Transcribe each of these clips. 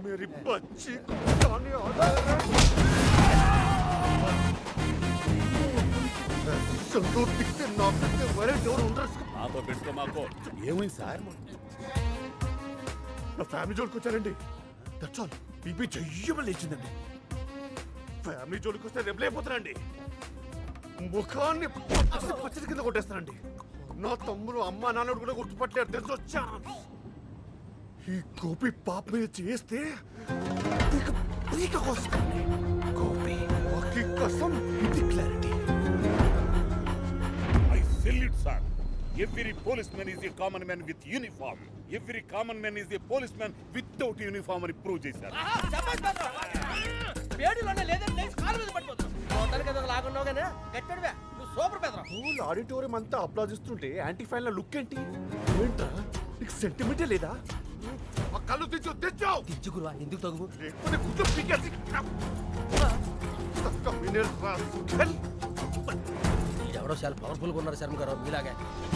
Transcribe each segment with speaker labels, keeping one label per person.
Speaker 1: मेरी बच्ची संदूर दिखते ना दिखते मेरे डोर ఉండరు
Speaker 2: మాతో పెట్టుకో మాకో ఏమైంది సార్
Speaker 1: నా ఫ్యామిలీ జోలికి వచ్చారండి దట్స్ ఆల్ బీపీ చెయ్యమని లేచిందండి ఫ్యామిలీ జోలికి వస్తే రెబలైపోతారండి ముఖాన్ని పచ్చడి కింద కొట్టేస్తానండి నా తమ్ముడు అమ్మ నాన్నడు కూడా గుర్తుపట్టలేరు తెలిసి వచ్చా ఈ గోపి పాప మీద చేస్తే పీక కోస్తాను గోపి వాకి కసం ఇది clarity
Speaker 2: I salute sir every policemen is a common man with uniform every common man is a policemen without uniform అని ప్రూవ్ చేశారు
Speaker 1: ఆడిటోరియం అంతా అప్లాజిస్తుంటే యాంటీ ఫ్యాన్ లుక్ ఏంటి ఏంట్రా నీకు సెంటిమెంటే లేదా ఆ కళ్ళు తెచ్చావు
Speaker 3: తెచ్చుకురా ఎందుకు తగు
Speaker 1: లేకపోతే గుడ్లు పీకేసి
Speaker 3: ఎవడో చాలా పవర్ఫుల్ గా ఉన్నారు శర్మ గారు మీలాగే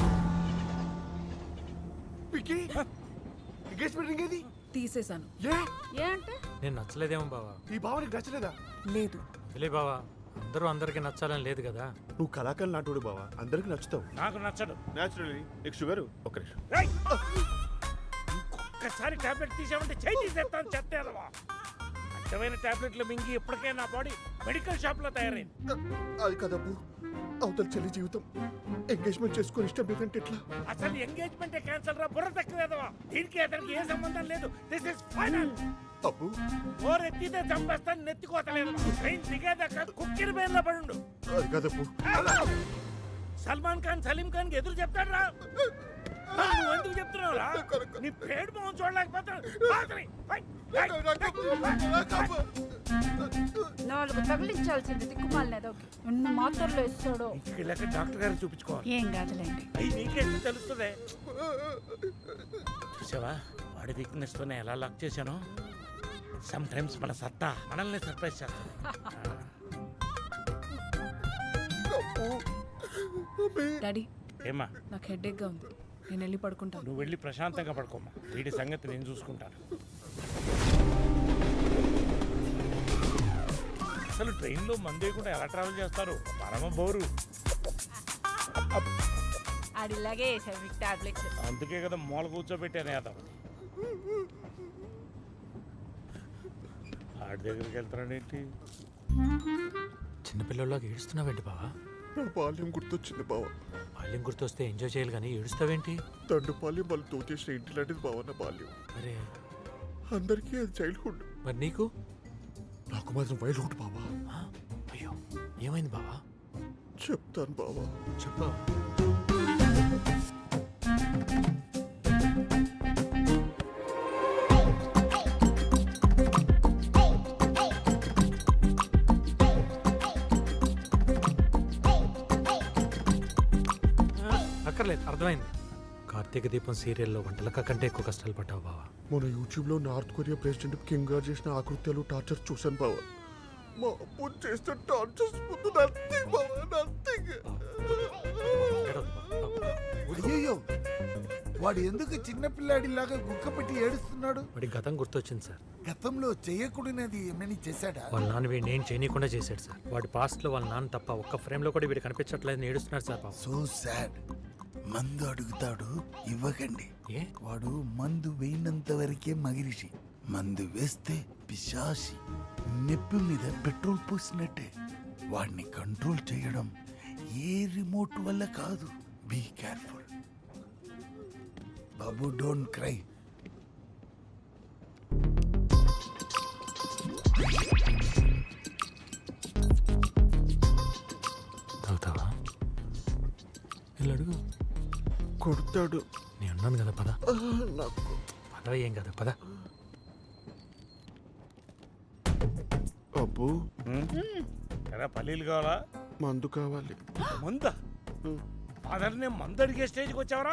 Speaker 1: పికి ఎంగేజ్మెంట్ రింగ్ ఏది
Speaker 4: తీసేశాను. ఏ అంటే
Speaker 5: నేను నచ్చలేదేమో బావా.
Speaker 1: ఈ భావనకి నచ్చలేదా?
Speaker 4: లేదు.
Speaker 5: లే బావా, అందరూ అందరికి నచ్చాలని లేదు కదా.
Speaker 1: నువ్వు కళాకారులు నాటోడు బావా, అందరికి నచ్చుతావు.
Speaker 2: నాకు నచ్చడు.
Speaker 1: నేచురల్లీ నీకు షుగర్. ఒక్క నిమిషం.
Speaker 2: ఒక్కసారి టాబ్లెట్ తీసామంటే చేయి తీసేస్తాను చెత్తేదవా. అడ్డమైన టాబ్లెట్లు మింగి ఇప్పటికే నా బాడీ మెడికల్ షాప్ లో తయారైంది.
Speaker 1: అది కదబ్బు, అవతల చెల్లి జీవితం ఎంగేజ్మెంట్ చేసుకొని ఇష్టం లేదంటే ఎట్లా?
Speaker 2: అసలు ఎంగేజ్మెంట్ క్యాన్సల్ రా, బుర్ర తక్కువేదవా. దీనికి అతనికి ఏ సంబంధం లేదు. This is final.
Speaker 1: అబ్బు
Speaker 2: ఓర్ ఎత్తితే చంపేస్తాను, నెత్తికోతలేదు. ట్రైన్ దిగేదాకా కుక్కిరి బేర్లో పడుండు.
Speaker 1: అది కదబ్బు.
Speaker 2: సల్మాన్ ఖాన్ సలీం ఖాన్ కి ఎదురు చెప్తాడు రా. నువ్వు ఎందుకు చెప్తున్నావు రా? నీ పేడు మొహం చూడలేకపోతాడు.
Speaker 4: 4 తగిలించాల్సింది దిక్కుమాలినదో ఎన్ని మాత్రలు ఇస్తాడో.
Speaker 2: ఇంటికి డాక్టర్ గారికి చూపించుకోవాలి.
Speaker 4: ఏం కాదులేండి.
Speaker 2: అయ్యి నీకేంటి తెలుస్తుంది. చూసావా వాడి వీక్నెస్ తోనే ఎలా లాక్ చేశాను. సమ్ టైమ్స్ మన సత్తా మనల్ని సర్ప్రైజ్ చేస్తాను.
Speaker 4: డాడీ
Speaker 2: ఏమా
Speaker 4: నాకు హెడేక్ గా ఉంది, నేను వెళ్ళి పడుకుంటాను.
Speaker 2: నువ్వు వెళ్ళి ప్రశాంతంగా పడుకోమ్మా. వీడి సంగతి నేను చూసుకుంటాను. అసలు ట్రైన్లో మందేయకుండా ఎలా ట్రావెల్ చేస్తారు? పరమ బోరు.
Speaker 4: ఆడిలాగే వేసాడు మీకు టాబ్లెట్స్.
Speaker 2: అందుకే కదా మూల కూర్చోబెట్టాను యాదవ్. ఆడి దగ్గరికి వెళ్తాడేంటి?
Speaker 5: చిన్నపిల్లల్లోకి ఏడుస్తున్నావేంటి బావా?
Speaker 1: నా బాల్యం గుర్తొచ్చింది బావా.
Speaker 5: బాల్యం గుర్తొస్తే ఎంజాయ్ చేయాలి కానీ ఏడుస్తావేంటి?
Speaker 1: తండ్రి బాల్యం వాళ్ళు తోచేసిన ఇంటి లాంటిది బావా నా బాల్యం.
Speaker 5: అరే
Speaker 1: అందరికీ అది చైల్డ్హుడ్,
Speaker 5: మరి నీకు?
Speaker 1: నాకు మాత్రం వైల్డ్హుడ్ బావా.
Speaker 5: అయ్యో ఏమైంది బావా?
Speaker 1: చెప్తాను బావా.
Speaker 5: చెప్పు. అక్కర్లేదు, అర్థమైంది. కార్తీక దీపం సీరియల్లో వంటలక కంటే ఎక్కువ కష్టాలు పడ్డావు బావా.
Speaker 1: మన యూట్యూబ్లో నార్త్ కొరియా ప్రెసిడెంట్ కింగ్ గారు చేసిన ఆకృత్యాలు టార్చర్ చూశాను బావా. మా అప్పు చేసిన టార్చర్స్ ముందు నథింగ్ బావా, నథింగ్.
Speaker 6: అయ్యో వాడు ఎందుకు చిన్నపిల్లాడిలాగా గుక్క పెట్టి ఏడుస్తున్నాడు?
Speaker 5: వాడి గతం గుర్తొచ్చింది సార్.
Speaker 6: గతంలో చేయకూడనిది ఏమని చేశాడా?
Speaker 5: వాళ్ళ నాన్న వీడిని ఏం చేయనీయకుండా చేశాడు సార్. వాడి పాస్ట్ లో వాళ్ళ నాన్న తప్ప ఒక్క ఫ్రేమ్ లో కూడా వీడు కనిపించట్లేదు, ఏడుస్తున్నాడు సార్ పాపం.
Speaker 6: So sad. మందు అడుగుతాడు, ఇవ్వకండి.
Speaker 5: ఏ?
Speaker 6: వాడు మందు వేయినంత వరకే మగిరిషి. మందు వేస్తే పిశాసి. నెప్పి మీద పెట్రోల్ పోసినట్టే. వాడిని కంట్రోల్ చేయడం ఏ రిమోట్ వల్ల కాదు. బీ కేర్ఫుల్ బాబు, డోంట్ క్రై.
Speaker 5: తాగుతావా? వెళ్ళి అడుగు.
Speaker 1: కొడతాడు.
Speaker 5: నేను ఉన్నాను కదా, పద.
Speaker 1: నాకు
Speaker 5: పదవ, ఏం కదా, పద.
Speaker 1: అబ్బు
Speaker 2: ఎరా పల్లీలు కావాలా?
Speaker 1: మందు కావాలి.
Speaker 2: మందా? ఫాదర్ని మందు అడిగే స్టేజ్కి వచ్చావరా?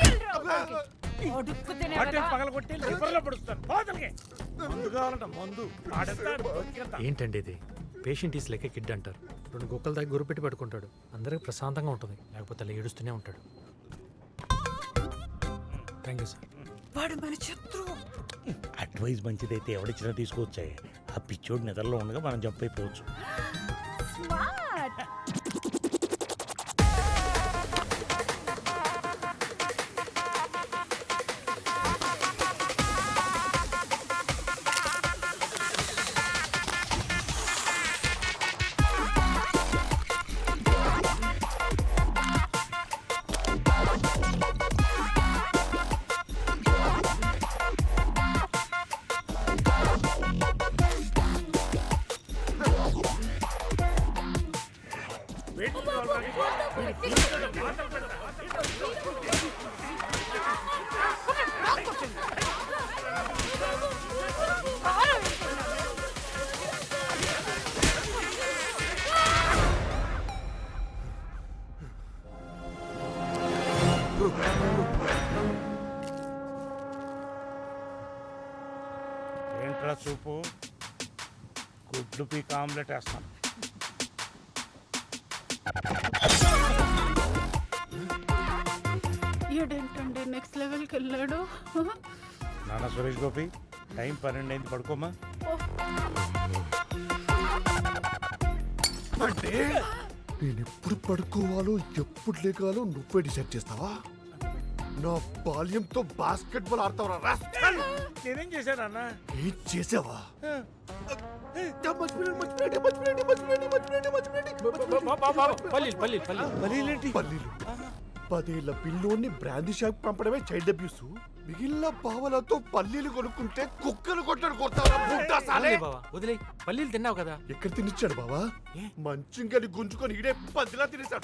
Speaker 2: పగల కొట్టి లివర్లో పడుస్తాను. మందు కావాలంట, మందు.
Speaker 5: ఏంటండి ఇది? Patient is like a kid అంటారు. 2 గుక్కల దగ్గర గురి పెట్టి పడుకుంటాడు, అందరికి ప్రశాంతంగా ఉంటుంది. లేకపోతే అలా ఏడుస్తూనే ఉంటాడు. Thank you sir.
Speaker 4: వాడు మన శత్రువు.
Speaker 7: అడ్వైస్ మంచిదైతే ఎవడిచ్చినా తీసుకొచ్చాయి. ఆ పిచ్చోడు నిద్రలో ఉండగా మనం జంప్ అయిపోవచ్చు.
Speaker 4: స్మార్ట్.
Speaker 7: ఏంట్రా చూపు, గుడ్లు పీక్ ఆమ్లెట్ వేస్తాను.
Speaker 4: ఏంటంటే నెక్స్ట్ లెవెల్కి వెళ్ళాడు.
Speaker 7: నాన్న సురేష్ గోపి, టైం 12 అయింది, పడుకోమా.
Speaker 1: అంటే నేను ఎప్పుడు పడుకోవాలో ఎప్పుడు లేకాలో నువ్వే డిసైడ్ చేస్తావా? నా బాల్యంతో బాస్కెట్ బాల్ ఆడతావరా రాస్కల్?
Speaker 7: నేనేం చేశాను అన్న?
Speaker 1: ఏం చేసావా?
Speaker 5: పల్లీలు
Speaker 1: పల్లీలు 10 ఏళ్ల పిల్లోని బ్రాందీ షాప్ పంపడమే చైల్డ్ అబ్యూస్. మిగిలిన పావలతో పల్లీలు కొనుక్కుంటే కుక్కలు కొట్టడు కొడతావా? బుడ్డా సాలే.
Speaker 5: బావా వదిలే, పల్లీలు తిన్నావు కదా.
Speaker 1: ఎక్కడ తినిచ్చాడు బావా? మంచింగని గుంజుకొని ఇడే పదిలా తినేశాడు.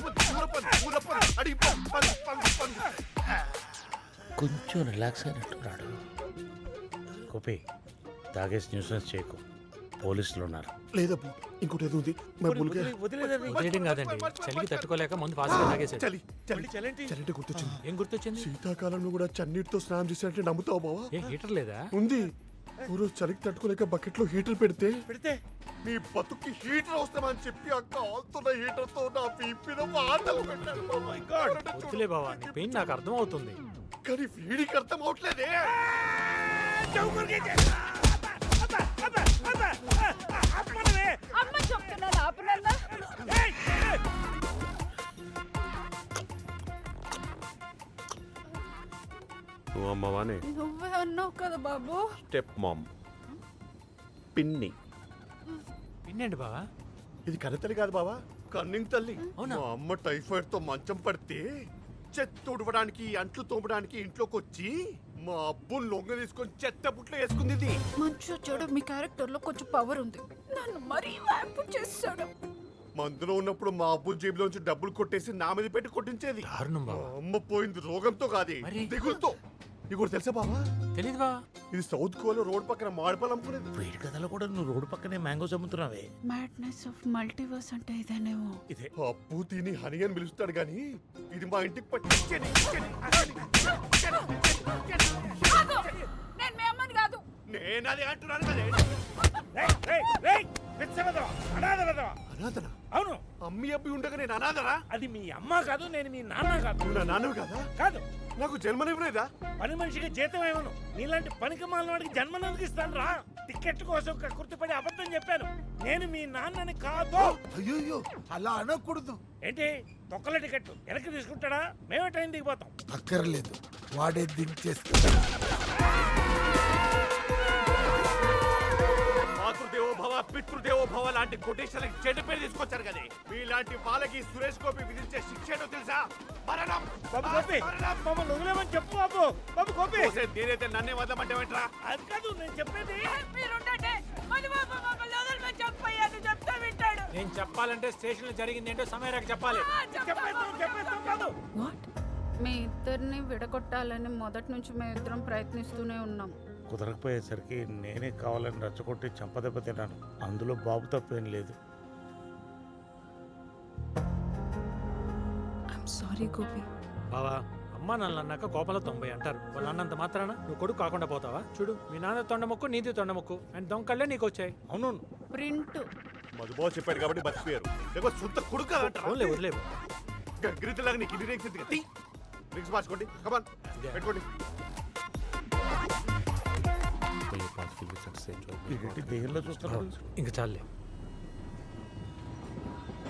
Speaker 7: కొంచెం రిలాక్స్ అయినట్టున్నాడు. గోపి, తాగేసి న్యూసెన్స్ చేయకు, పోలీసులు ఉన్నారు.
Speaker 1: లేదబ్బు, ఇంకోటి ఏదో ఉంది.
Speaker 5: వదిలేయడం కాదండి, చలికి తట్టుకోలేక ముందు ఫాస్ట్ గా తాగేసాడు.
Speaker 1: చలి చలి చలి గుర్తొచ్చింది.
Speaker 5: ఏం గుర్తొచ్చింది?
Speaker 1: శీతాకాలంలో కూడా చన్నీటితో స్నానం చేసినట్టే నమ్ముతావు బావా?
Speaker 5: ఏ హీటర్ లేదా?
Speaker 1: ఉంది. ఊరు చలికి తట్టుకోలేక బకెట్ లో హీటర్ పెడితే
Speaker 7: పెడితే
Speaker 1: నీ బతుక్కి హీటర్ అవసరమని చెప్పి ఆ కాలుతున్న హీటర్ తో నా పీపిన వాతలు పెట్టాడు. Oh my God.
Speaker 5: వద్దులే బావా, నీ పెయిన్ నాకు అర్థం అవుతుంది.
Speaker 1: కానీ వీడికి అర్థం అవట్లేదే.
Speaker 4: అమ్మ చెప్తున్నాను ఆపనన్నా.
Speaker 1: నువ్వు అమ్మవానే
Speaker 4: నువ్వే అన్నావు కదా బాబు.
Speaker 1: స్టెప్ మామ్ పిన్ని.
Speaker 5: పిన్నండి బావా.
Speaker 1: ఇది కన్నతల్లి కాదు బావా, కన్నింగ్ తల్లి.
Speaker 5: అవునా?
Speaker 1: మా అమ్మ టైఫాయిడ్ తో మంచం పడితే చెత్త ఉడవడానికి అంట్లు తోమడానికి ఇంట్లోకి వచ్చి మా అబ్బుని లొంగ తీసుకొని చెత్త బుట్లో వేసుకుంది. ఇది
Speaker 4: మంచు చెడు మీ క్యారెక్టర్ లో కొంచెం పవర్ ఉంది. నన్ను మరీ వ్యాపు చేస్తాడు.
Speaker 1: మందులో ఉన్నప్పుడు మా అబ్బు జేబులోంచి డబ్బులు కొట్టేసి నా మీద పెట్టి కొట్టించేది.
Speaker 5: దారుణం
Speaker 1: మా
Speaker 5: బావా.
Speaker 1: అమ్మ పోయింది రోగంతో కాదే,
Speaker 5: మరి?
Speaker 1: దిగులుతో. నీకు కూడా తెలుసా బావా?
Speaker 5: తెలీదు బావా.
Speaker 1: ఇది సౌత్ కోలో రోడ్ పక్కన మాడిపాలు అమ్ముకునేది.
Speaker 7: వేడి కథలో కూడా నువ్వు రోడ్డు పక్కనే మ్యాంగోస్ అమ్ముతున్నావే.
Speaker 4: మ్యాడ్నెస్ ఆఫ్ మల్టీవర్స్ అంటే ఇదేనేమో.
Speaker 7: ఇదే
Speaker 1: అప్పు తిని హని అని పిలుస్తాడు గాని ఇది మా ఇంటికి పట్టి
Speaker 4: నేను మీ అమ్మని కాదు.
Speaker 1: నేను అది అంటున్నాను కదే. అనాథనా?
Speaker 7: అవును,
Speaker 1: అమ్మి అబ్బి ఉండగా నేను అనాథనా?
Speaker 7: అది మీ అమ్మ కాదు, నేను మీ నాన్న కాదు.
Speaker 1: నువ్వు నా నాన్నవి కదా?
Speaker 7: కాదు,
Speaker 1: నాకు జన్మనివ్వలేదా?
Speaker 7: పని మనిషికి జీతం ఏమను, నీలాంటి పనికి మాలినవాడికి జన్మనందుకు ఇస్తాను రా. టికెట్ కోసం కక్కుర్తిపడి అబద్ధం చెప్పాను. నేను మీ నాన్నని కాదు.
Speaker 6: అయ్యో అలా అనకూడదు.
Speaker 7: ఏంటి తొక్కల టికెట్ వెనక్కి తీసుకుంటాడా? మేమే ట్రైన్ దిగిపోతాం.
Speaker 6: అక్కర్లేదు, వాడే దించేస్తా.
Speaker 1: మాతృదేవో భవ పితృదేవో భవ లాంటి కొటేషన్లకి చెడ్డ పేరు తీసుకొచ్చారు కదే. మీలాంటి వాళ్ళకి సురేష్ గోపి విధించే శిక్ష ఏంటో తెలుసా? మరణం.
Speaker 7: బాబు గోపి, మమ్మల్ని వదిలేమని చెప్పు బాబు. బాబు గోపి,
Speaker 1: నేనైతే నన్నే వదలమంటావేంట్రా?
Speaker 7: అది కాదు నేను చెప్పేది.
Speaker 5: నేను చెప్పాలంటే స్టేషన్ లో జరిగింది ఏంటో సమయానికి చెప్పాలి.
Speaker 7: చెప్పేస్తాం కాదు.
Speaker 4: వాట్? మీ ఇద్దరిని విడగొట్టాలని మొదటి నుంచి మేము ఇద్దరం ప్రయత్నిస్తూనే ఉన్నాం.
Speaker 7: కుదరకపోయేసరికి నేనే కావాలని రచ్చగొట్టి చంపదెబ్బ తిన్నాను. అందులో బాబు తప్పేం లేదు.
Speaker 4: I'm sorry Gopi.
Speaker 5: బావా, అమ్మ నాన్న అన్నాక కోపంలో 90 అంటారు. వాళ్ళు అన్నంత మాత్రాన నువ్వు కొడుకు కాకుండా పోతావా? చూడు, మీ నాన్న తొండముక్కు, నీది తొండముక్కు అండ్ దొంకళ్ళే నీకు వచ్చాయి.
Speaker 7: అవును,
Speaker 4: ప్రింట్
Speaker 1: మధుబాబు చెప్పాడు కాబట్టి బతికిపోయారు. లేకపోతే సొంత కొడుకు కాదంటారా?
Speaker 5: ఓన్లే వదిలేవు.
Speaker 1: గగ్గిరితలాగా నీకు ఇన్ని రేక్స్ ఎందుకు? రింగ్స్ మార్చుకోండి, కమాన్ పెట్టుకోండి.
Speaker 7: దెయ్యంలో చూస్తున్నాడు.
Speaker 5: ఇంక చాలే